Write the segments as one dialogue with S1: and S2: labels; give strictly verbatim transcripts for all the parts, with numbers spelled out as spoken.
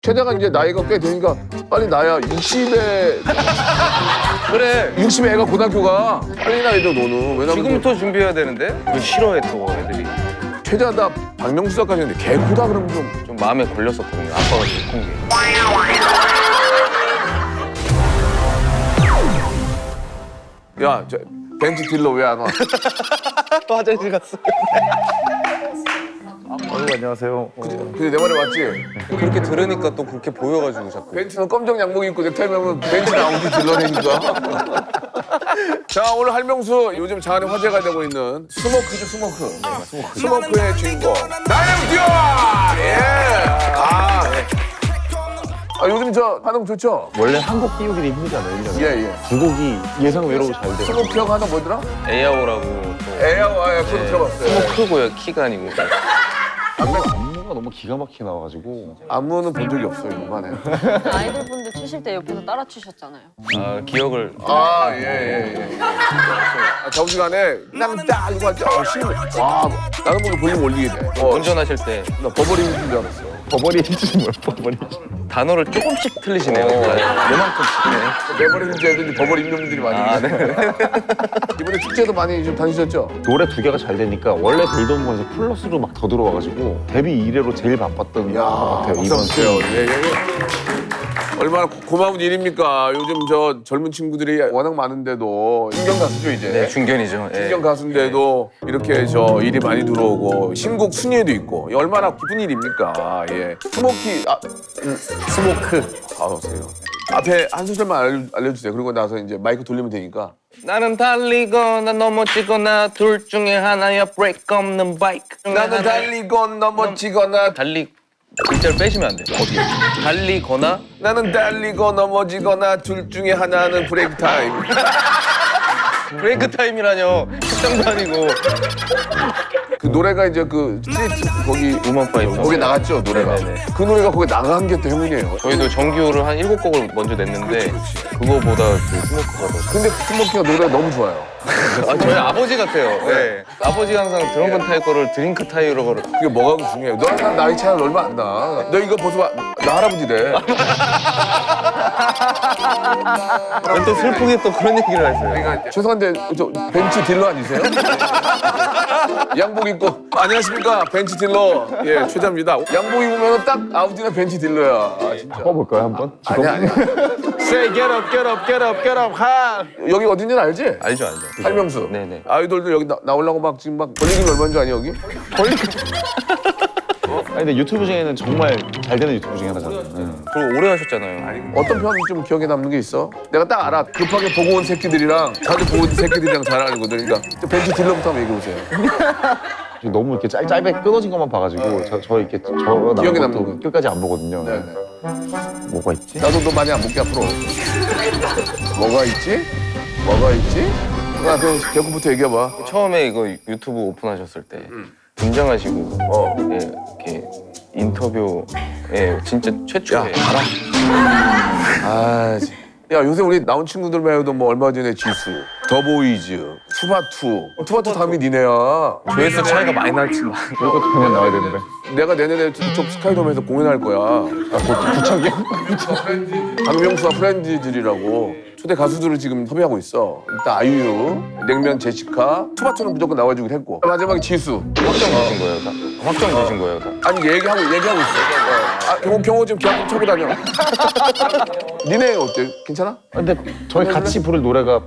S1: 최대가 이제 나이가 꽤 되니까 빨리 나야. 육십에
S2: 그래.
S1: 육십에 애가 고등학교가 빨리 나야 돼 너는. 왜냐면
S2: 지금부터 준비해야 되는데 그걸 싫어해 또 애들이.
S1: 최대가 다 박명수 작가지 근데 개 크다 그러면 좀.
S2: 좀 마음에 걸렸었거든요. 아빠가 제일 큰 게.
S1: 야, 저 벤치 딜러 왜 안 와?
S2: 또 화장실 갔어.
S3: 어이구, 안녕하세요.
S1: 근데 내 말이 맞지?
S2: 그렇게 들으니까 또 그렇게 보여가지고 자꾸.
S1: 벤츠는 검정 양복 입고 넥타이 매면 벤츠 아우디 딜러니까. 자, 오늘 할명수 요즘 장안에 화제가 되고 있는 스모크죠, 스모크. 네, 스모크. 스모크의 주인공 나영듀! 예! 아, 아, 요즘 저 반응 좋죠?
S3: 원래 한 곡 띄우기도 힘들잖아요, 일 년에.
S1: 예, 예.
S3: 두 곡이 예상 외로 잘 돼요.
S1: 스모크 형 하나 뭐더라?
S2: 에어라고 또.
S1: 에어, 아, 예, 그거 들어봤어요.
S2: 스모크고요. 키가 아니고.
S3: 안무가 너무 기가 막히게 나와가지고.
S1: 안무는 본 적이 없어요, 이거만 해.
S4: 아이돌 분들 추실 때 옆에서 따라 추셨잖아요.
S2: 아 기억을.
S1: 아, 예, 예, 예. 아, 점심시간에 남자 이거 하죠. 어, 신문. 와, 나는 보기 볼륨 올리게 돼. 어,
S2: 운전하실 때
S1: 나 버버리 힘든 줄 알았어.
S3: 버버리지 뭐야, 버버리지.
S2: 단어를 조금씩 틀리시네요.
S1: 어.
S2: 요만큼씩. 네.
S1: 버버리 힘든 애들이 버버리 힘든 분들이 많이
S2: 아,
S1: 계세요. 이번에 축제도 많이 좀 다니셨죠?
S3: 노래 두 개가 잘 되니까 원래 돌던 거에서 플러스로 막 더 들어와가지고 데뷔 이래로 제일 바빴던 것 같아요,
S1: 박수
S3: 이번
S1: 주세요.
S3: 시즌.
S1: 예, 예, 예. 얼마나 고- 고마운 일입니까? 요즘 저 젊은 친구들이 워낙 많은데도 중견 가수죠 이제.
S2: 네, 중견이죠. 예.
S1: 중견 가수인데도 이렇게 저 일이 많이 들어오고 신곡 순위에도 있고 얼마나 기쁜 일입니까? 예. 스모키 아 음, 스모크. 아 오세요. 앞에 한 소절만 알려, 알려주세요. 그리고 나서 이제 마이크 돌리면 되니까.
S2: 나는 달리거나 넘어지거나 둘 중에 하나야 브레이크 없는 바이크.
S1: 나는 달리건 넘어지거나
S2: 달리 글자를 빼시면 안 돼요. 어떻게? 달리거나
S1: 나는 달리고 넘어지거나 둘 중에 하나는 브레이크 타임.
S2: 브레이크 타임이라뇨. 식당도 아니고.
S1: 그 노래가 이제 그 스트리트 거기
S2: 우먼 파이터.
S1: 거기 나갔죠 노래가.
S2: 네네네.
S1: 그 노래가 거기 나간 게 또 행운이에요.
S2: 저희도 정규를 한 일곱 곡을 먼저 냈는데 그거보다 그 스모크가 더.
S1: 근데 스모키가 노래가 너무 좋아요.
S2: 아, 저희 아버지 같아요. 네. 아버지가 항상 드럼건 타이 거를 드링크 타이로 거를.
S1: 그게 뭐가 중요해요. 너랑 난 나이 차이가 얼마 안 나. 너 이거 벗어봐. 나 할아버지래.
S2: 또 슬프게 또 그런 얘기를 하세요.
S1: 그러니까 죄송한데 저 벤츠 딜러 아니세요? 양복 입고 안녕하십니까 벤츠 딜러 예 최자입니다. 양복 입으면 딱 아우디나 벤츠 딜러야. 아, 진짜.
S3: 바꿔볼까요, 한번?
S1: 아니야 아니야. Say get up get up get up get up 하. 여기 어딘지는 알지?
S2: 알죠, 알죠.
S1: 할명수.
S2: 네네.
S1: 아이돌들 여기 나, 나오려고 막 지금 막 벌리긴 얼마인 줄 아니 여기?
S3: 아니, 근데 유튜브 중에는 정말 잘 되는 유튜브 중에 하나잖아요. 네.
S2: 그리고 오래 하셨잖아요.
S1: 어떤 편 좀 기억에 남는 게 있어? 내가 딱 알아. 급하게 보고 온 새끼들이랑 자주 보고 온 새끼들이랑 잘 알거든. 그러니까 벤츠 딜러부터 한번 얘기해 보세요.
S3: 너무 이렇게 짧, 짧게 끊어진 것만 봐가지고 저, 저 이렇게 저
S1: 기억에
S3: 나온
S1: 남는
S3: 것도
S1: 거.
S3: 끝까지 안 보거든요.
S1: 네네.
S3: 뭐가 있지?
S1: 나도 너 많이 안 볼게 앞으로. 뭐가 있지? 뭐가 있지? 나 그 개그부터 얘기해봐.
S2: 처음에 이거 유튜브 오픈하셨을 때 등장하시고
S1: 어.
S2: 예, 이렇게 인터뷰에 진짜 최초에
S1: 아, 지- 야 요새 우리 나온 친구들 말고도 뭐 얼마 전에 지수, 더보이즈, 투바투. 어, 투바투 다음이 니네야.
S2: 조회수 차이가 많이 날지만
S3: 이것도 그냥 나와야 되는데.
S1: 내가 내년에 저쪽 스카이돔에서 공연할 거야.
S3: 아, 구척이요?
S1: 박명수와 프렌즈들이라고 초대 가수들을 지금 섭외하고 있어. 일단 아이유, 냉면 제시카, 투바투는 무조건 나와주기로 했고 마지막에 지수.
S2: 확정 되신 거예요, 다? 확정이 되신 거예요, 다?
S1: 아니 얘기하고 얘기하고 있어. 아 경호 경호 지금 계약 좀 쳐고 다녀. 니네 어때? 괜찮아?
S3: 근데 저희 같이 부를 노래가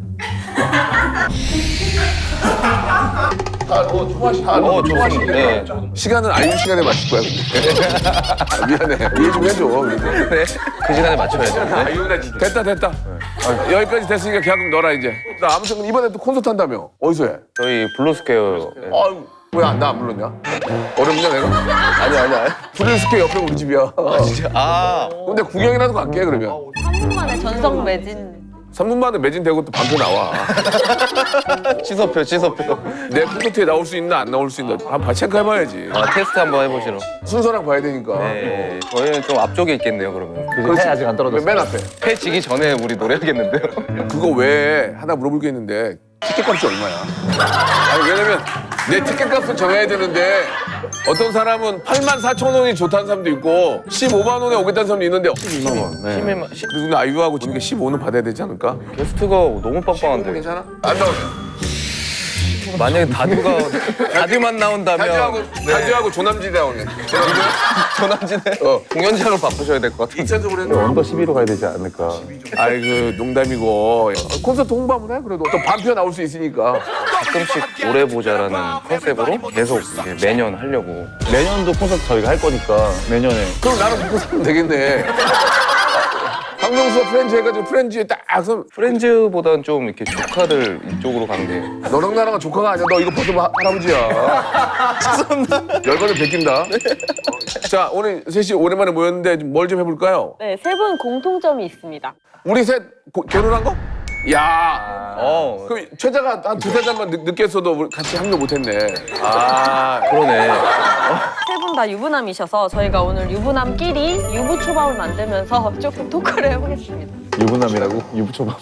S1: 어 좋아하시. 아,
S2: 어, 좋습니다. 네.
S1: 시간은 아이유 시간에 맞출 거야. 아, 미안해. 이해 좀 해줘. 그래서.
S2: 네. 그 시간에 맞춰야죠. 네.
S1: 아이유나 진짜. 됐다 됐다. 아, 여기까지 됐으니까 계약금 넣어라 이제. 나 아무튼 이번에 또 콘서트 한다며. 어디서 해?
S2: 저희 블루스퀘어. 네.
S1: 아유 왜 나 안 불렀냐? 어렵냐 내가? 아니 아니 아니. 브릴스케 옆에 우리 집이야.
S2: 아,
S1: 근데 구경이라도 갈게 그러면.
S4: 삼 분 만에 전성 매진.
S1: 삼 분 만에 매진되고 또 방송 나와.
S2: 취소표, 취소표.
S1: 내 콘서트에 나올 수 있나 안 나올 수 있나 한번 체크해봐야지.
S2: 아, 테스트 한번 해보시러.
S1: 순서랑 봐야 되니까.
S2: 네. 저희는 좀 앞쪽에 있겠네요, 그러면.
S3: 그 해 아직 안 떨어졌어요.
S1: 맨 앞에.
S2: 해 지기 전에 우리 노래하겠는데요?
S1: 그거 외에 하나 물어볼 게 있는데 티켓값이 얼마야? 아니 왜냐면 내 티켓값을 정해야 되는데 어떤 사람은 팔만 사천 원이 좋다는 사람도 있고 십오만 원에 오겠다는 사람도 있는데
S3: 십이만 원. 네.
S2: 십일만
S1: 그래서 근데 아이유하고 보니까 십오 는 받아야 되지 않을까?
S2: 게스트가 너무 빵빵한데.
S1: 괜찮아? 안 나오네.
S2: 만약에 다두가 다두만 나온다면
S1: 다주하고 다주하고 조남지대 나오네. 조남지대?
S2: 조남지대
S1: 어.
S2: 공연장을 바꾸셔야 될 것 같아요.
S1: 이차적으로 했는데
S3: 언더 십이로 가야 되지 않을까.
S1: 아이 그 농담이고 콘서트 홍보 한번 해 그래도 또 반표 나올 수 있으니까.
S2: 가끔씩 오래 보자라는 컨셉으로 계속 이제 매년 하려고.
S3: 내년도 콘서트 저희가 할 거니까 내년에.
S1: 그럼 나는 먹고 살면 되겠네. 박명수가 프렌즈 해가지고 프렌즈에 딱 그럼
S2: 프렌즈보다는 좀 이렇게 조카들 이쪽으로 간 게.
S1: 너랑 나랑 조카가 아니야. 너 이거 벗으면 하- 할아버지야. 죄송합니다. 열받으면 베낀다. 자 오늘 셋이 오랜만에 모였는데 뭘 좀 해볼까요?
S4: 네, 세 분 공통점이 있습니다.
S1: 우리 셋 고- 결혼한 거? 야.
S2: 어,
S1: 그럼 최자가 한 두세 잔만 늦- 늦게 했어도 우리 같이 합류 못했네.
S2: 아 그러네.
S4: 세 분 다 유부남이셔서 저희가 오늘 유부남끼리 유부초밥을 만들면서 조금 토크를 해보겠습니다.
S3: 유부남이라고? 유부초밥.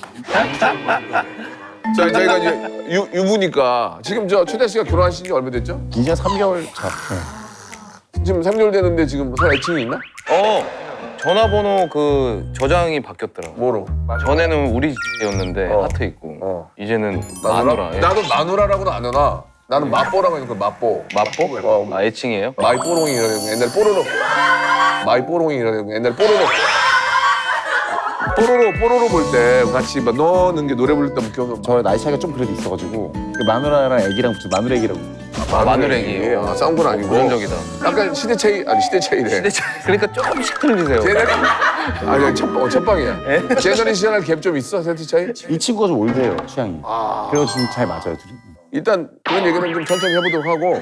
S1: 자 저희가 이제 유, 유부니까 지금 저 최자 씨가 결혼하신 지 얼마 됐죠?
S3: 이제 삼 개월 차. 네.
S1: 지금 삼 개월 됐는데 지금 서로 애칭이 있나?
S2: 어 전화번호 그 저장이 바뀌었더라.
S1: 뭐로?
S2: 전에는 우리 집이었는데
S1: 어.
S2: 하트 있고
S1: 어.
S2: 이제는 마누라. 예.
S1: 나도 마누라라고는 안 하나. 나는 마뽀라고 하니까 마뽀.
S2: 마뽀?
S1: 어,
S2: 아 애칭이에요?
S1: 마이 뽀롱이라고 옛날 뽀로로. 마이 뽀롱이라고 옛날 뽀로로. 뽀로로 뽀로로 볼 때 같이 막 넣는 게 노래 부를 때 기억나.
S3: 저 나이 차이가 좀 그래도 있어가지고 그 마누라랑 애기랑 붙여 마누라기라고.
S2: 아, 마누라기.
S1: 아, 싸운 건 아니고.
S2: 고정적이다.
S1: 약간 시대 차이 아니 시대 차이래.
S2: 근데 저- 그러니까 조금씩 틀리세요.
S1: 제너리 아니 첫, 어, 첫방이야. 제너리션할 갭 좀 있어 세트 차이?
S3: 이 친구가 좀 올드해요 취향이.
S1: 아.
S3: 그래서 지금 잘 맞아요 둘이.
S1: 일단 그런 얘기는 좀 천천히 해보도록 하고.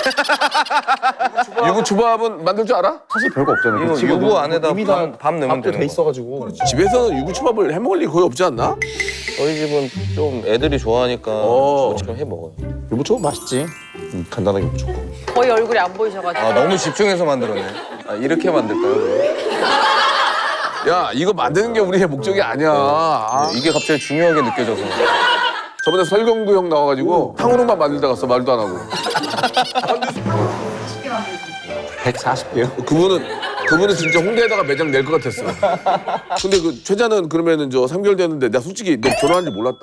S1: 유부 초밥은 만들 줄 알아?
S3: 사실 별거 없잖아요.
S2: 이거
S3: 그 친구도
S2: 유부 안에다
S3: 이미
S2: 밥-
S3: 다
S2: 밥 넣으면
S3: 밥도
S2: 되는
S3: 돼
S2: 거.
S3: 있어가지고.
S1: 집에서는 유부 초밥을 해 먹을 일 거의 없지 않나?
S2: 저희 집은 좀 애들이 좋아하니까
S1: 어.
S2: 저처럼 해 먹어요.
S3: 유부초밥 맛있지. 음, 간단하게 무조건.
S4: 거의 얼굴이 안 보이셔가지고.
S2: 아 너무 집중해서 만들었네. 아, 이렇게 만들까요?
S1: 야 이거 만드는 게 우리의 목적이 아니야. 아,
S2: 이게 갑자기 중요하게 느껴져서.
S1: 저번에 설경구 형 나와가지고 탕후루만 만들다 갔어 말도 안 하고.
S3: 백사십 개요?
S1: 그분은 그분은 진짜 홍대에다가 매장 낼 것 같았어. 근데 그 최자는 그러면은 저 삼 개월 됐는데 내가 솔직히 너 결혼한 줄 몰랐다.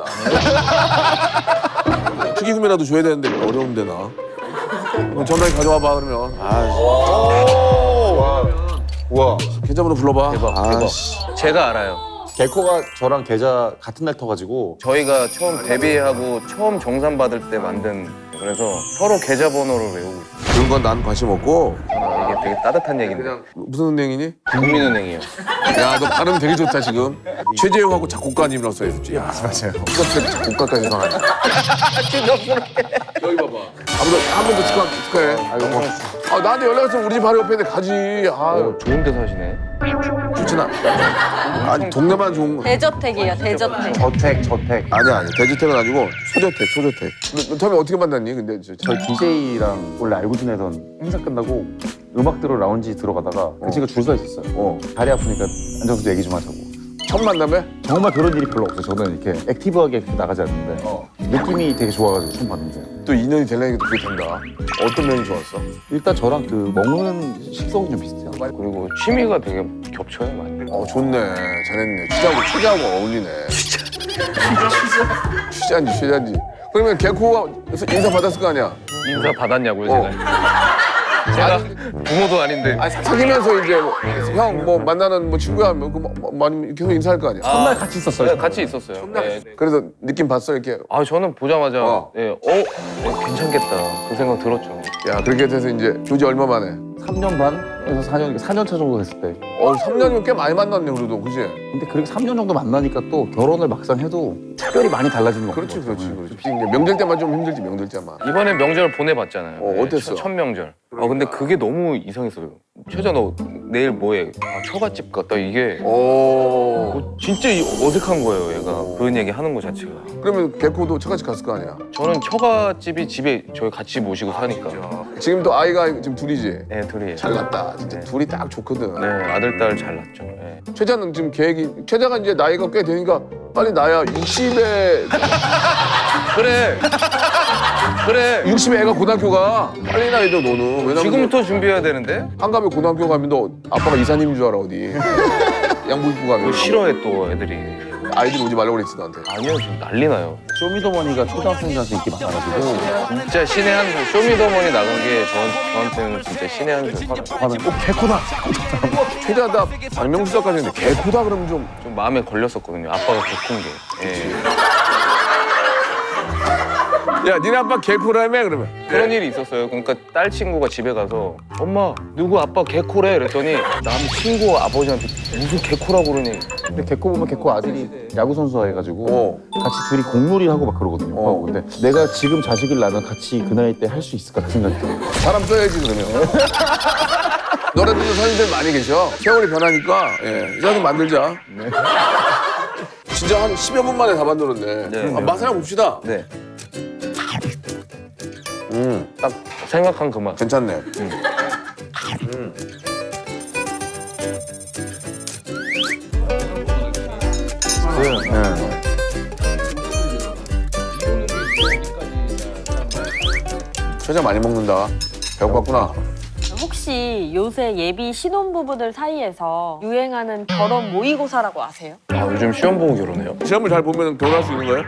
S1: 축의금이라도 줘야 되는데 어려운데 나. 그럼 전화기 가져와봐 그러면. 아,
S3: 우와.
S1: 계좌번호 불러봐.
S2: 대박
S1: 아,
S2: 대박.
S1: 씨.
S2: 제가 알아요.
S3: 개코가 저랑 계좌 같은 날 터가지고
S2: 저희가 처음 데뷔하고 처음 정산 받을 때 만든 그래서 서로 계좌번호를 외우고 있어요.
S1: 그런 건 난 관심 없고.
S2: 아, 이게 되게 따뜻한 얘기인데.
S1: 그냥 무슨 은행이니?
S2: 국민은행이요.
S1: 야, 너 발음 되게 좋다 지금. 최재형하고 작곡가님이라서 했지. 야,
S3: 맞아요.
S1: 이거 작곡가까지 나가네. 여기 봐봐. 아무도 한 번 더 축하 축하해. 아이고 뭐. 아 나한테 연락했으면 우리 집 바로 옆에 있는데 가지. 아,
S2: 어, 좋은 데 사시네.
S1: 좋진 않아. 아니 동네만 좋은 거.
S4: 대저택이에요, 대저택.
S3: 저택 저택.
S1: 아니야 아니야. 대주택은 아니고 소저택 소저택. 너, 너 처음에 어떻게 만났니? 근데 저, 저,
S3: 저희 디제이랑 원래 알고 지내던 행사 끝나고 음악 들어 라운지 들어가다가 그 친구가 줄 서 있었어요.
S1: 어.
S3: 다리 아프니까 앉아서 얘기 좀 하자고.
S1: 첫 만남에?
S3: 정말 그런 일이 별로 없어요. 저는 이렇게 액티브하게 나가지 않는데 느낌이 되게 좋아가지고 처음 봤는데
S1: 또 인연이 되려니까 그게 된다. 어떤 면이 좋았어?
S3: 일단 저랑 그 먹는 식성이 좀 비슷해요.
S2: 그리고 취미가 되게 겹쳐요, 많이.
S1: 어 좋네. 잘했네. 취자하고 취자하고 어울리네. 취자인지 취자인지. 그러면 개코가 인사 받았을 거 아니야?
S2: 인사 받았냐고요,
S1: 어.
S2: 제가? 제가 부모도 아닌데.
S1: 아니 사귀면서 이제 형 뭐 만나는 뭐 친구야 뭐, 그 뭐, 뭐, 많이 계속 인사할 거 아니야.
S3: 첫날 같이 있었어요.
S2: 네, 같이 있었어요. 네.
S1: 그래서 느낌 봤어 이렇게.
S2: 아 저는 보자마자
S1: 어.
S2: 예, 어, 어, 괜찮겠다 그 생각 들었죠.
S1: 야 그렇게 돼서 이제 조지 얼마 만에?
S3: 삼 년 반에서 사 년, 사 년 차 정도 됐을 때.
S1: 어 삼 년이면 꽤 많이 만났네 그래도 그지?
S3: 근데 그렇게 삼 년 정도 만나니까 또 결혼을 막상 해도 차별이 많이 달라지는 것 같아요.
S1: 그렇지 그렇지 그렇지. 이제 명절 때만 좀 힘들지 명절 때만.
S2: 이번에 명절 보내봤잖아요.
S1: 어, 어땠어?
S2: 첫, 첫 명절. 아 근데 그게 너무 이상했어요. 최자 너 내일 뭐해? 아 처갓집 갔다 이게
S1: 오.
S2: 어, 진짜 이- 어색한 거예요. 얘가 그런 얘기 하는 거 자체가.
S1: 그러면 개코도 처갓집 갔을 거 아니야?
S2: 저는 처갓집이 집에 저희 같이 모시고 사니까.
S1: 지금 또 아이가 지금 둘이지.
S2: 네 둘이.
S1: 잘났다 진짜
S2: 네.
S1: 둘이 딱 좋거든.
S2: 네 아들 딸 잘 낳죠. 네.
S1: 최자는 지금 계획이 최자가 이제 나이가 꽤 되니까 빨리 나야 육십에
S2: 그래. 그래.
S1: 육십에 애가 고등학교 가. 빨리 나야 돼 너는. 왜냐면
S2: 지금부터 준비해야 되는데?
S1: 한갑에 고등학교 가면 너 아빠가 이사님인 줄 알아 어디. 양복 입고 가면.
S2: 뭐 싫어해 또 애들이.
S1: 아이들 오지 말라고 그랬지 너한테.
S2: 아니요, 지금 난리 나요.
S3: 쇼미더머니가 초등학생들한테 인기 많아가지고
S2: 진짜 신의 한 수. 쇼미더머니 나간 게 저, 저한테는 진짜 신의 한 수.
S3: 하면 꼭 개코다.
S1: 최대하다 박명수까지 했는데 개코다 그러면 좀.
S2: 좀 마음에 걸렸었거든요. 아빠가 개콘 게. 예.
S1: 야 니네 아빠 개코라며 그러면.
S2: 그런 일이 있었어요. 그러니까 딸 친구가 집에 가서 엄마 누구 아빠 개코래 그랬더니 남 친구 아버지한테 무슨 개코라고 그러니.
S3: 근데 개코 보면 개코 아들이 야구 선수 해가지고
S1: 어.
S3: 같이 둘이 공놀이 하고 막 그러거든요.
S1: 어.
S3: 어. 근데 내가 지금 자식을 낳으면 같이 그 나이 때 할 수 있을까 그 생각이 들어요.
S1: 사람 써야지 그러면. 너네들도 선생님들 많이 계셔. 세월이 변하니까 예, 이사 좀 만들자. 진짜 한 십여 분 만에 다 만들었네.
S2: 네.
S1: 아, 맛을 한번 봅시다.
S2: 네.
S1: 음,
S2: 딱 생각한 그 맛.
S1: 괜찮네. 음.
S3: 네.
S1: 최자 많이 먹는다. 배고팠구나.
S4: 혹시 요새 예비 신혼부부들 사이에서 유행하는 결혼 모의고사라고 아세요?
S2: 아 요즘 시험 보고 결혼해요?
S1: 시험을 잘 보면 결혼할 수 있는 거예요?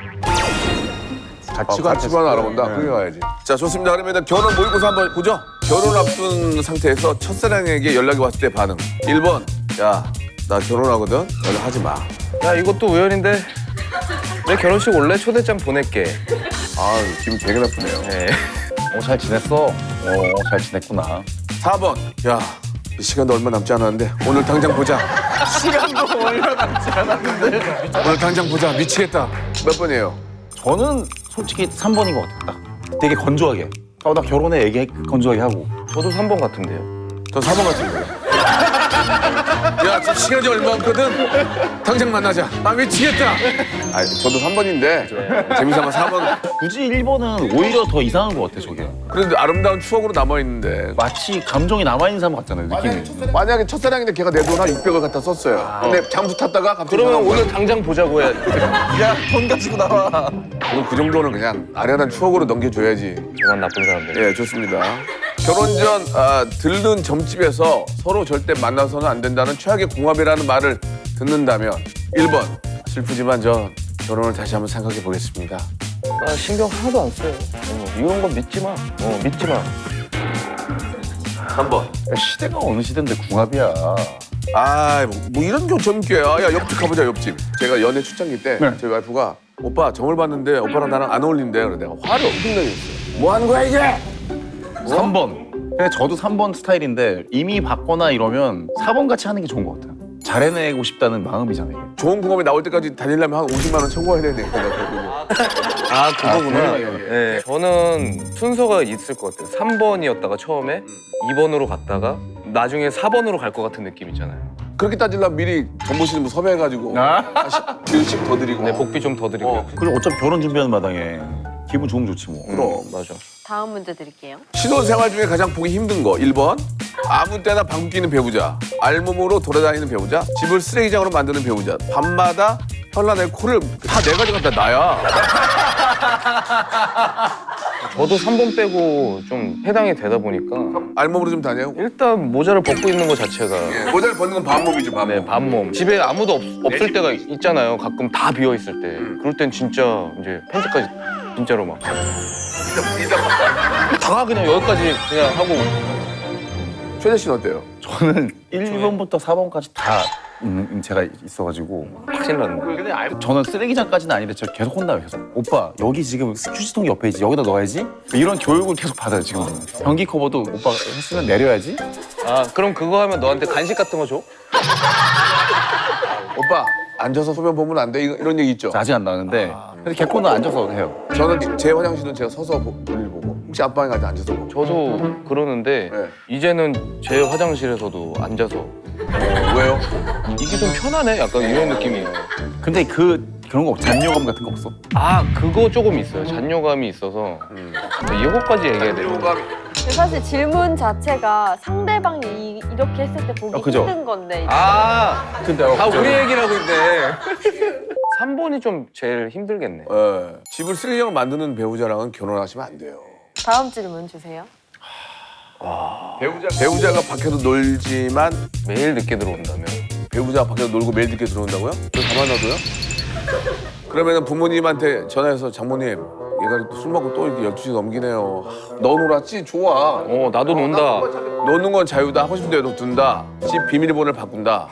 S3: 가치관
S1: 아, 가치관 알아본다.
S3: 네.
S1: 그게 가야지. 자, 좋습니다. 그러면 일단 결혼 모의고사 한번 보죠. 결혼 앞둔 상태에서 첫사랑에게 연락이 왔을 때 반응. 일 번, 야, 나 결혼하거든. 연락하지 마.
S2: 야 이것도 우연인데 내 결혼식 올래? 초대장 보낼게.
S1: 아, 기분 되게 나쁘네요.
S2: 네.
S3: 어, 잘 지냈어? 어, 잘 지냈구나.
S1: 사 번, 야, 이 시간도 얼마 남지 않았는데 오늘 당장 보자. 시간도 얼마 남지 않았는데 오늘 당장 보자. 미치겠다. 몇 번이에요?
S3: 저는 솔직히 삼 번인 것 같아요. 딱 되게 건조하게. 어, 나 결혼해 얘기 건조하게 하고.
S2: 저도 삼 번 같은데요.
S1: 전 사 번 같은데. 야, 지금 시간이 얼마 없거든. 당장 만나자. 아, 미치겠다. 아, 저도 삼 번인데 재미삼아 사 번.
S3: 굳이 일 번은 오히려 더 이상한 것 같아 저게.
S1: 그래도 아름다운 추억으로 남아 있는데.
S3: 마치 감정이 남아있는 사람 같잖아요 느낌이.
S1: 만약에 첫사랑인데 걔가 내 돈 한 육백을 갖다 썼어요. 근데 장부 탔다가 갑자기
S2: 그러면
S1: 전화 온 거야.
S2: 오늘 당장 보자고 해.
S3: 야돈 가지고 나와.
S1: 오늘 그 정도는 그냥 아련한 추억으로 넘겨줘야지.
S2: 그만 나쁜 사람들.
S1: 예, 좋습니다. 결혼 전 아, 들른 점집에서 서로 절대 만나서는 안 된다는 최악의 궁합이라는 말을 듣는다면 일 번 슬프지만 저 결혼을 다시 한번 생각해 보겠습니다.
S2: 나 신경 하나도 안 써요. 어, 이런 건 믿지 마. 어 믿지 마.
S1: 삼 번.
S3: 시대가 어느 시대인데 궁합이야.
S1: 아, 뭐, 뭐 이런 게 점괘야. 야, 옆집 가보자, 옆집. 제가 연애 출장기 때
S3: 네.
S1: 저희 와이프가 오빠 점을 봤는데 오빠랑 나랑 안 어울린대. 그래 내가 화를 엄청 내고 있어요. 뭐 하는 거야 이게?
S3: 삼 번. 근데 저도 삼 번 스타일인데 이미 받거나 이러면 사 번 같이 하는 게 좋은 것 같아요. 잘해내고 싶다는 마음이잖아요. 이게.
S1: 좋은 궁합이 나올 때까지 다니려면 한 오십만 원 청구해야 되니까.
S2: 아 그거구나.
S3: 아,
S2: 네. 저는 순서가 있을 것 같아요. 삼 번이었다가 처음에 이 번으로 갔다가 나중에 사 번으로 갈 것 같은 느낌 있잖아요.
S1: 그렇게 따지려면 미리 정보실 뭐 섭외해가지고
S3: 아?
S1: 일씩 더 드리고.
S2: 네, 복비 좀 더 드리고요.
S1: 어.
S3: 그리고 어차피 결혼 준비하는 마당에 기분 좋으면 좋지 뭐.
S1: 그럼.
S2: 맞아.
S4: 다음 문제 드릴게요.
S1: 신혼생활 중에 가장 보기 힘든 거 일 번 아무 때나 방귀 뀌는 배우자, 알몸으로 돌아다니는 배우자, 집을 쓰레기장으로 만드는 배우자, 밤마다 현란하게 코를 다 내 가져갔다 나야.
S2: 저도 삼 번 빼고 좀 해당이 되다 보니까
S1: 알몸으로 좀 다녀요.
S2: 일단 모자를 벗고 있는 것 자체가
S1: 예, 모자를 벗는 건 밤몸이죠, 밤몸.
S2: 네, 밤몸. 집에 아무도 없, 없을 때가 있잖아요. 가끔 다 비어 있을 때. 그럴 땐 진짜 이제 팬티까지 진짜로 막. 다 그냥 여기까지 그냥 하고.
S1: 최재 씨는 어때요?
S3: 저는 일 번부터 사 번까지 다 음, 제가 있어가지고
S2: 확신 났네.
S3: 저는 쓰레기장까지는 아닌데 저 계속 혼나요. 계속. 오빠 여기 지금 휴지통 옆에 있지. 여기다 넣어야지. 이런 교육을 계속 받아요 지금. 변기 커버도 오빠 했으면 내려야지.
S2: 아, 그럼 그거 하면 너한테 간식 같은 거 줘?
S1: 오빠 앉아서 소변 보면 안 돼. 이런 얘기 있죠.
S3: 아직 안 나왔는데 근데 개코는 앉아서 해요.
S1: 저는 제 화장실은 제가 서서 보- 볼일 보고 혹시 앞방에 가서 앉아서 보고.
S2: 저도 그러는데
S1: 네.
S2: 이제는 제 화장실에서도 앉아서
S1: 어, 왜요?
S2: 이게 좀 편하네? 약간 이런 느낌이에요.
S3: 근데 그 그런 거 없- 잔여감 같은 거 없어?
S2: 아, 그거 조금 있어요. 잔여감이 있어서.
S1: 음.
S2: 이거까지 얘기해야 돼요.
S1: 요감이
S4: 근데 사실 질문 자체가 상대방이 이- 이렇게 했을 때 보기
S3: 아, 그죠?
S4: 힘든 건데.
S2: 아,
S3: 근데
S2: 다 우리 얘기를 하고 있네. 삼 번이 좀 제일 힘들겠네.
S1: 예. 집을 쓰레기장을 만드는 배우자랑은 결혼하시면 안 돼요.
S4: 다음 질문 주세요.
S1: 배우자 배우자가 밖에서 놀지만
S2: 매일 늦게 들어온다면.
S1: 배우자가 밖에서 놀고 매일 늦게 들어온다고요? 저 가만 놔둬요? 그러면은 부모님한테 전화해서 장모님 얘가 술 먹고 또 이렇게 열두 시 넘기네요. 너 놀았지? 좋아.
S2: 어, 나도 논다.
S1: 노는 건 자유다. 하고 싶은 대로 둔다. 집 비밀번호를 바꾼다.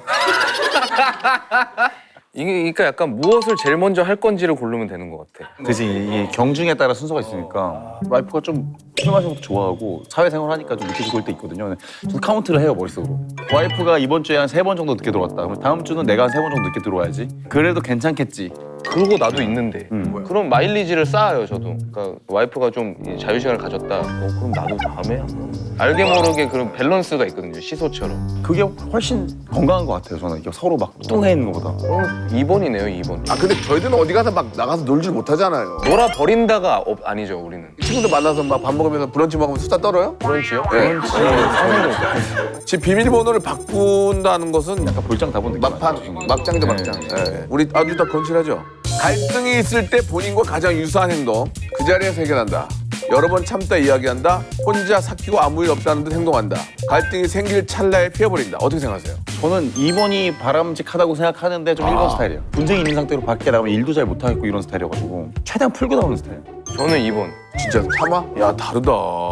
S2: 이게 그러니까 약간 무엇을 제일 먼저 할 건지를 고르면 되는 것 같아.
S3: 그지 이게 경중에 따라 순서가 있으니까 와이프가 좀 술 마시는 것도 좋아하고 사회생활 하니까 좀 늦게 들어올 때 있거든요. 근데 저는 카운트를 해요 머릿속으로. 와이프가 이번 주에 한 세 번 정도 늦게 들어왔다. 그럼 다음 주는 내가 한 세 번 정도 늦게 들어와야지. 그래도 괜찮겠지.
S2: 그러고 나도 있는데.
S3: 음.
S2: 그럼 마일리지를 쌓아요 저도. 그러니까 와이프가 좀 자유 시간을 가졌다. 어, 그럼 나도 다음에 한번. 알게 모르게 그런 밸런스가 있거든요 시소처럼.
S3: 그게 훨씬 건강한 것 같아요. 저는 이게 서로 막 뚱해 있는 것보다.
S2: 그럼 이 번이네요 이 번.
S1: 아 근데 저희들은 어디 가서 막 나가서 놀질 못하잖아요.
S2: 놀아 버린다가 업, 아니죠 우리는.
S1: 친구들 만나서 막 밥 먹으면서 브런치 먹으면 수다 떨어요?
S2: 브런치요?
S1: 네.
S2: 브런치 상상도 못했어요.
S1: 집 비밀번호를 바꾼다는 것은
S3: 약간 볼장 다본 느낌.
S1: 막판, 막장이죠 막장. 예. 우리 아주 다 건실하죠. 갈등이 있을 때 본인과 가장 유사한 행동 그 자리에서 해결한다. 여러 번 참다 이야기한다. 혼자 삭히고 아무 일 없다는 듯 행동한다. 갈등이 생길 찰나에 피해버린다. 어떻게 생각하세요?
S3: 저는 이 번이 바람직하다고 생각하는데 좀 일 번 스타일이에요. 분쟁이 있는 상태로 밖에 나가면 일도 잘 못하겠고 이런 스타일이어가지고 최대한 풀고 나오는 스타일.
S2: 저는 이 번.
S1: 진짜 참아? 야 다르다.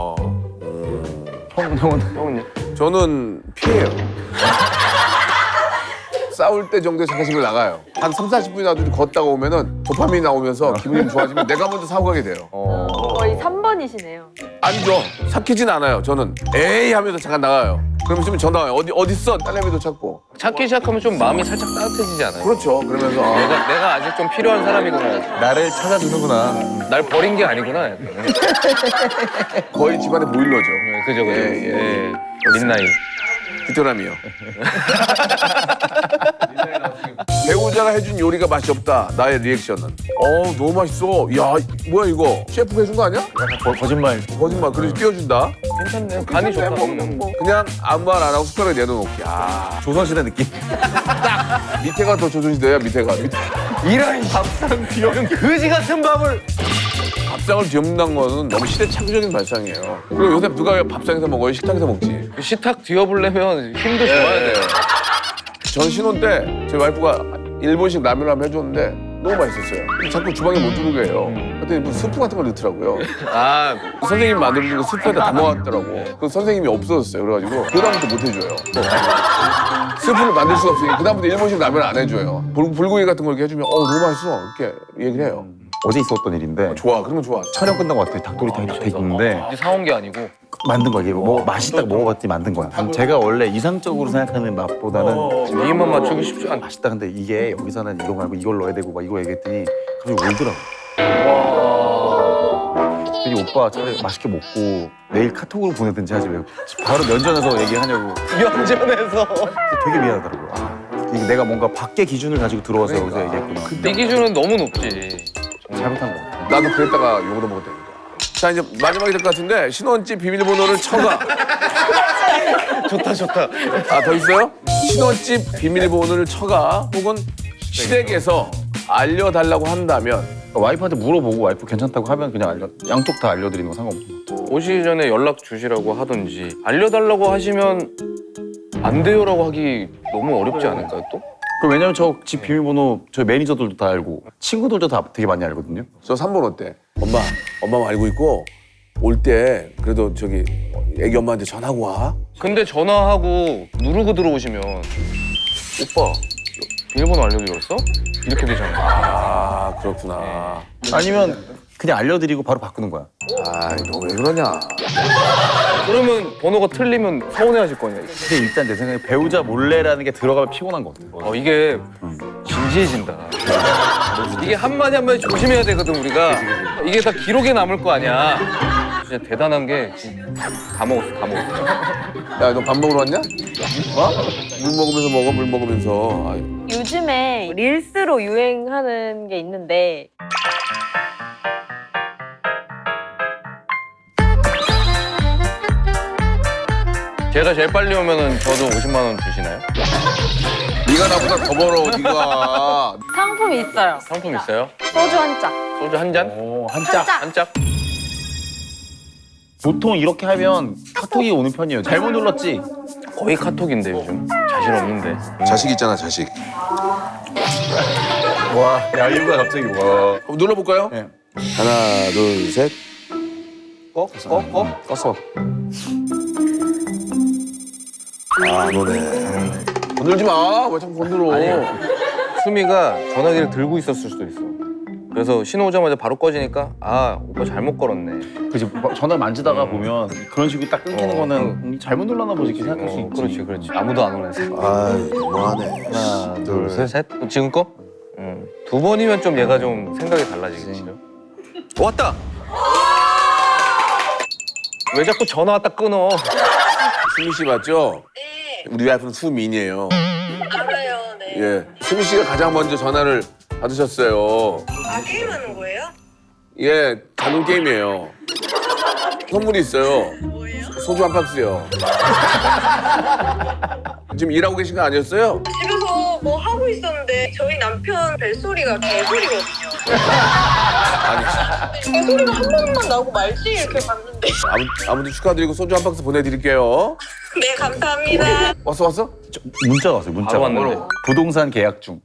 S3: 형, 형은
S2: 형은요?
S1: 저는 피해요. 싸울 때 정도에 잠깐씩을 나가요. 한 삼, 사십 분이라도 걷다가 오면은 도파민이 나오면서 기분이 좀 좋아지면 내가 먼저 사고 가게 돼요.
S2: 어.
S4: 거의 삼 번이시네요.
S1: 아니죠. 삭히진 않아요. 저는 에이 하면서 잠깐 나가요. 그럼 있으면 전화 와요. 어디 어디 있어? 딸내미도 찾고.
S2: 찾기 시작하면 좀 마음이 살짝 따뜻해지지 않아요?
S1: 그렇죠. 그러면서 아,
S2: 내가 내가 아직 좀 필요한 사람이구나.
S3: 나를 찾아주는구나.
S2: 날 버린 게 아니구나. 약간.
S1: 거의 집안의 보일러죠.
S2: 네, 그죠, 그죠.
S1: 예, 예.
S2: 예. 민나이.
S1: 귀뚜라미요. 배우자가 해준 요리가 맛이 없다. 나의 리액션은. 어 너무 맛있어. 야 뭐야 이거? 셰프가 해준 거 아니야?
S3: 약간 거, 거짓말.
S1: 거짓말. 그래서 띄워준다.
S2: 괜찮네요. 간이 좋다. 음.
S1: 그냥 아무 말 안 하고 숟가락에 내려놓기. 야
S3: 조선시대 느낌.
S1: 밑에가 더 조선시대야 밑에가. 밑에.
S2: 이런 밥상 비용 그지 같은 밥을.
S1: 밥상을 뒤엎는 거는 너무 시대착오적인 발상이에요. 그리고 요새 누가 밥상에서 먹어요? 식탁에서 먹지.
S2: 식탁 뒤어보려면 힘도 좋아야 돼요.
S1: 전 신혼 때 제 와이프가 일본식 라면을 한번 해줬는데 너무 맛있었어요. 근데 자꾸 주방에 못 들어오게 해요. 그랬더니 무슨 스프 같은 걸 넣더라고요.
S2: 아,
S1: 선생님이 만들어준 거 스프에다 담아왔더라고. 그 선생님이 없어졌어요. 그래가지고 그다음부터 못 해줘요. 스프를 만들 수가 없으니 그다음부터 일본식 라면 안 해줘요. 불, 불고기 같은 걸 이렇게 해주면 어 너무 맛있어 이렇게 얘기를 해요.
S3: 어제 있었던 일인데
S1: 좋아 그러면 좋아.
S3: 촬영 끝나고 왔더니 닭도리 다 돼 있는데
S2: 이제 사온 게 아니고.
S3: 만든 거야. 이게 뭐 맛있다고 먹어봤더니 만든 거야. 제가 원래 이상적으로 생각하는 맛보다는
S2: 네 입만 맞추기 쉽지 않다.
S3: 맛있다. 근데 이게 여기서는 이거 말고 이걸 넣어야 되고 막 이거 얘기했더니 갑자기 울더라고. 그랬더니 오빠 차라리 맛있게 먹고 내일 카톡으로 보내든지 하지 왜 바로 면전에서 얘기하냐고.
S2: 면전에서.
S3: 되게 미안하더라고요. 아, 이게 내가 뭔가 밖에 기준을 가지고 들어와서
S1: 그러니까.
S3: 여기서 얘기했구나.
S2: 네 기준은 너무 높지.
S3: 잘못한 거 같아.
S1: 나도 그랬다가 욕도 먹었다니까. 자 이제 마지막이 될 것 같은데 신혼집 비밀번호를 쳐가.
S2: 좋다, 좋다.
S1: 아 더 있어요? 신혼집 비밀번호를 쳐가 혹은 시댁에서 알려달라고 한다면
S3: 그러니까 와이프한테 물어보고 와이프 괜찮다고 하면 그냥 알려 양쪽 다 알려드리는 거 상관없어.
S2: 오시기 전에 연락 주시라고 하든지 알려달라고 하시면 안 돼요라고 하기 너무 어렵지 않을까요 또?
S3: 그 왜냐면 저 집 비밀번호 저희 매니저들도 다 알고 친구들도 다 되게 많이 알거든요.
S1: 저 삼 번 어때? 엄마, 엄마 알고 있고 올 때 그래도 저기 애기 엄마한테 전하고 와.
S2: 근데 전화하고 누르고 들어오시면 오빠 비밀번호 알려드렸어? 이렇게 되잖아요.
S1: 아 그렇구나.
S3: 아니면 그냥 알려드리고 바로 바꾸는 거야.
S1: 아 너 왜 그러냐?
S2: 그러면 번호가 틀리면 서운해하실 거냐.
S3: 근데 일단 내 생각에 배우자 몰래라는 게 들어가면 피곤한 것 같아.
S2: 어 이게 진지해진다. 이게 한마디 한마디 조심해야 되거든 우리가. 이게 다 기록에 남을 거 아니야. 진짜 대단한 게 다 먹었어 다 먹었어.
S1: 야 너 밥 먹으러 왔냐? 어? 물 먹으면서 먹어 물 먹으면서. 아유.
S4: 요즘에 릴스로 유행하는 게 있는데
S2: 제가 제일 빨리 오면은 저도 오십만 원 주시나요?
S1: 네가 나보다 더 벌어, 네가.
S4: 상품이 있어요.
S2: 상품 있어요?
S4: 소주 한 짝.
S2: 소주 한 잔?
S3: 오, 한
S4: 한
S3: 짝.
S4: 짝.
S2: 한 짝?
S3: 보통 이렇게 하면 카톡이 오는 편이에요. 잘못 눌렀지?
S2: 거의 카톡인데 요즘. 자신 없는데.
S1: 자식 있잖아, 자식.
S3: 와, 야, 이유가 갑자기 와.
S1: 한번 눌러볼까요?
S3: 네.
S1: 하나, 둘, 셋.
S3: 꺼? 꺼? 꺼? 껐어.
S1: 아, 안 오네. 건들지 마. 왜 자꾸 건들어.
S2: 수미가 전화기를 들고 있었을 수도 있어. 그래서 신호 오자마자 바로 꺼지니까 아 오빠 잘못 걸었네.
S3: 그치, 전화를 만지다가 보면 그런 식으로 딱 끊기는
S2: 어,
S3: 거는
S2: 응.
S3: 음, 잘못 눌렀나 보지 이렇게 생각할 수
S2: 어,
S3: 있지.
S2: 그렇지 그렇지. 아무도 안 오네.
S1: 아, 너무하네.
S3: 하나, 둘,
S2: 둘, 셋. 지금 거? 응. 두 번이면 좀 얘가 좀 생각이 달라지겠지. 왔다. 왜 자꾸 전화 왔다 끊어?
S1: 수미 씨 맞죠?
S5: 네,
S1: 우리 와이프는 수민이에요.
S5: 알아요. 네.
S1: 예. 수미 씨가 가장 먼저 전화를 받으셨어요.
S5: 아, 게임하는 거예요?
S1: 예, 단돈 게임이에요. 선물이 있어요.
S5: 뭐예요?
S1: 소주 한 박스요. 지금 일하고 계신 거 아니었어요?
S5: 집에서 뭐 하고 있었는데 저희 남편 벨소리가 개소리거든요.
S1: 아니,
S5: 개소리가 한 번만 나고 말지 이렇게 봤는데.
S1: 아무, 아무튼 축하드리고 소주 한 박스 보내드릴게요.
S5: 네, 감사합니다.
S1: 왔어, 왔어?
S3: 저, 문자가 왔어요. 문자가.
S2: 바로 왔는데.
S3: 부동산 계약 중.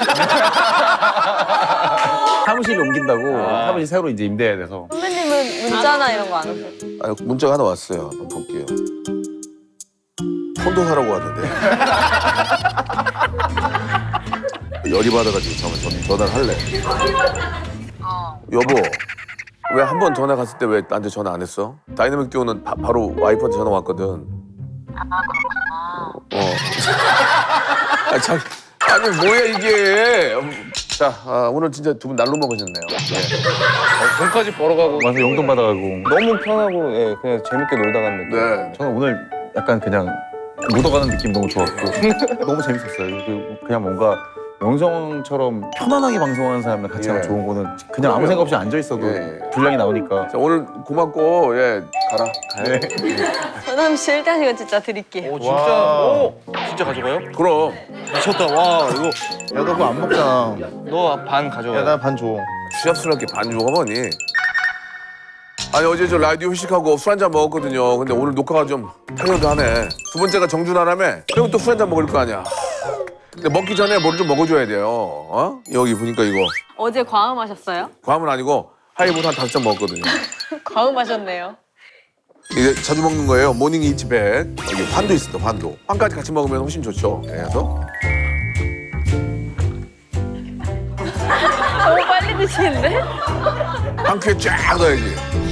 S3: 사무실 옮긴다고
S2: 아.
S3: 사무실 새로 이제 임대해야 돼서.
S4: 선배님은 문자나 이런 거 안 하세요?
S1: 아, 문자가 하나 왔어요. 한번 볼게요. 폰도 사라고 왔는데. 열이 받아가지고 잠깐 전, 전화를 할래. 여보, 왜 한 번 전화 갔을 때 왜 나한테 전화 안 했어? 다이나믹 듀오는 바, 바로 와이프한테 전화 왔거든. 아, 그렇구나. 어. 아, 참. 아니, 뭐야, 이게. 음, 자, 아, 오늘 진짜 두 분 날로 먹으셨네요. 네.
S2: 어, 돈까지 벌어가고
S3: 와서 용돈 받아가고.
S2: 너무 편하고 예, 그냥 재밌게 놀다 간 느낌.
S1: 네.
S3: 저는 오늘 약간 그냥 묻어가는 느낌 너무 좋았고 너무 재밌었어요. 그 그냥 뭔가 영성처럼 편안하게 방송하는 사람들 같이 하면
S1: 예.
S3: 좋은 거는 그냥 아무 생각 없이 앉아 있어도
S1: 예.
S3: 분량이 나오니까.
S1: 자, 오늘 고맙고, 예, 가라.
S3: 네.
S4: 전남 씨 일 단시간 진짜 드릴게요.
S2: 오 진짜.
S3: 와.
S2: 오 진짜 가져가요?
S1: 그럼.
S2: 미쳤다. 와 이거
S3: 야, 너 그거 안 먹잖아.
S2: 너 반 가져가.
S3: 야, 나 반 줘.
S1: 취업스럽게 반주가 뭐니? 아니 어제 저 라디오 회식하고 술 한잔 먹었거든요. 근데 오늘 녹화가 좀 타이어드하네. 두 번째가 정준하라며? 그럼 또 술 한잔 먹을 거 아니야. 근데 먹기 전에 뭘 좀 먹어줘야 돼요. 어? 여기 보니까 이거
S4: 어제 과음하셨어요?
S1: 과음은 아니고 하이볼 한 다섯 잔 먹었거든요.
S4: 과음하셨네요.
S1: 이게 자주 먹는 거예요. 모닝 이츠백. 여기 환도 있습니다. 환도. 환까지 같이 먹으면 훨씬 좋죠. 그래서
S4: 너무 빨리 드시는데?
S1: 한 큐에 쫙 넣어야지.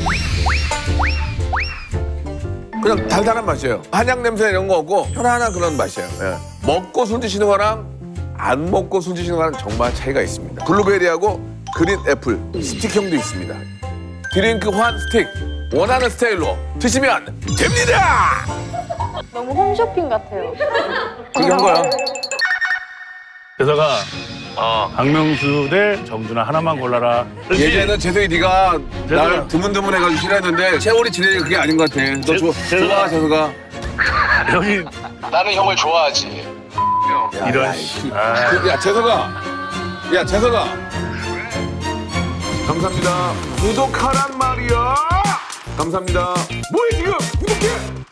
S1: 그냥 달달한 맛이에요. 한약 냄새 이런 거 없고 편안한 그런 맛이에요. 예. 먹고 술 드시는 거랑 안 먹고 술 드시는 거랑 정말 차이가 있습니다. 블루베리하고 그린 애플 스틱형도 있습니다. 드링크 환 스틱 원하는 스타일로 드시면 됩니다.
S4: 너무 홈쇼핑 같아요.
S1: 그렇게 한 거야.
S6: 재석아, 박명수 대 정준하 하나만 골라라. 그렇지?
S1: 예전에는 재석이 네가 날 드문드문해가지고 싫어했는데 세월이 지내니까 그게 아닌 것 같아. 너
S6: 재-
S1: 좋아,
S6: 재석아.
S1: 좋아 재석아.
S6: 여기
S1: 나는 형을 좋아하지. 야,
S6: 이런
S1: 야,
S6: 씨.
S1: 이-
S6: 아.
S1: 그, 야 재석아, 야 재석아. 감사합니다. 구독하란 말이야. 감사합니다. 뭐해 지금? 구독해.